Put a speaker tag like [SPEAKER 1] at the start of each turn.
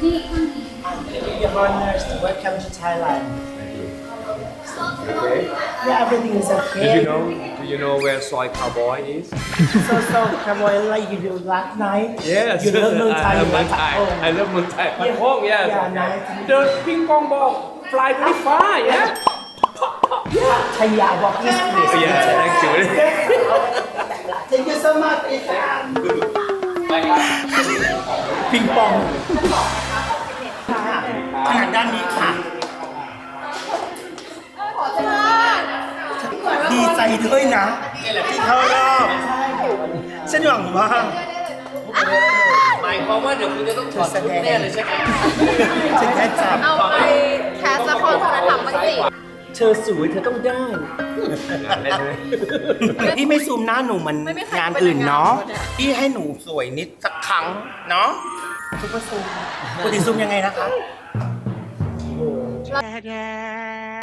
[SPEAKER 1] Your honors, welcome to Thailand.
[SPEAKER 2] Okay.
[SPEAKER 1] Yeah, everything is okay.
[SPEAKER 2] Do you know where Soy Cowboy is?
[SPEAKER 1] So, Cowboy, like you do last night.
[SPEAKER 2] Yes.
[SPEAKER 1] You love Muay Thai.
[SPEAKER 2] I love
[SPEAKER 1] you
[SPEAKER 2] Muay
[SPEAKER 1] like
[SPEAKER 2] Thai.
[SPEAKER 1] home.
[SPEAKER 2] I love Muay Thai. At
[SPEAKER 1] Yeah.
[SPEAKER 2] home, yes.
[SPEAKER 1] Yeah, nice.
[SPEAKER 2] The ping pong ball fly very far, yeah?
[SPEAKER 1] Thaya walk is please.
[SPEAKER 2] Yeah, thank you.
[SPEAKER 1] Thank you so much. ปิงปองทางด้านนี้ค่ะ ดีใจด้วยนะที่เข้ารอบฉันหวังว่า
[SPEAKER 2] หมายความว่าเดี๋ยวคุณจะต้องถอดชุดแน่เลยใช่ไหม
[SPEAKER 1] ฉันแค่จับ
[SPEAKER 3] เอาไปแคสละครคุณธรรมบ้างสิ
[SPEAKER 1] เธอสวยเธอต้องได้ พี่ไม่ซูมหน้าหนูเหมันงานอื่นเนาะพี่ให้หนูสวยนิดสักครั้งเนาะซุปเปอร์ซูมปกติซูมยังไงนะคะ